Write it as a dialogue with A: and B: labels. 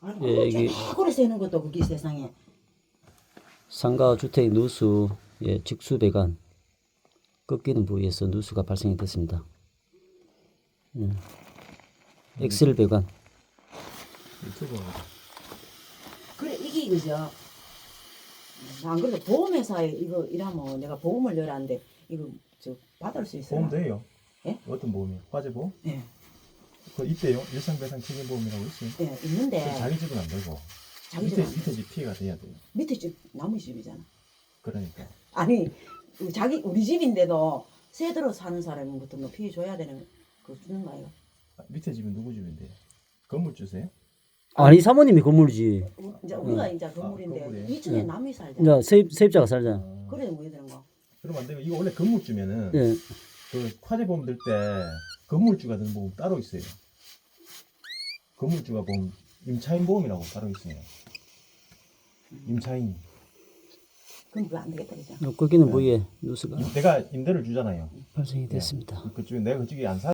A: 아이고,
B: 예, 이게
A: 그래 세는 것도 그게 세상에.
B: 상가 주택 누수 예, 직수 배관 꺾이는 부위에서 누수가 발생이 됐습니다. 엑셀 배관
C: 유튜브
A: 그래 이게 그죠. 안 그래도 보험회사에 이거 일하면 내가 보험을 열었는데 이거 저 받을 수 있어요?
C: 보험 돼요?
A: 예?
C: 어떤 보험이요? 화재보험?
A: 예.
C: 그 있대요. 일상배상 책임보험이라고 있어요.
A: 예, 있는데
C: 그건 자기 집은 안 되고
A: 자기
C: 밑에
A: 집
C: 밑에 집 피해가 돼야 돼요.
A: 밑에 집 나무 집이잖아.
C: 그러니까
A: 아니 자기 우리 집인데도 새 들어 사는 사람은 같은 거 피해 줘야 되는 거 주는 거예요.
C: 밑에 집은 누구 집인데요? 건물주세요?
B: 아니 사모님이 건물이지.
A: 이제 우리가 이제 건물인데
C: 건물이에요?
A: 2층에
B: 예.
A: 남이 살잖아.
B: 이제 세입자가 살잖아.
A: 그래 뭐 되는 거.
C: 그러면 안 되고 이거 원래 건물주면은
B: 예.
C: 그 화재보험 들 때 건물주가 드는 보험 따로 있어요. 건물주가 보험 임차인 보험이라고 따로 있어요. 임차인.
A: 그럼 그거 안 되겠다 그죠?
B: 꺾이는 부위에 누수가
C: 내가 임대를 주잖아요.
B: 발생이 됐습니다.
C: 그쪽에 내가 그쪽에 안 사.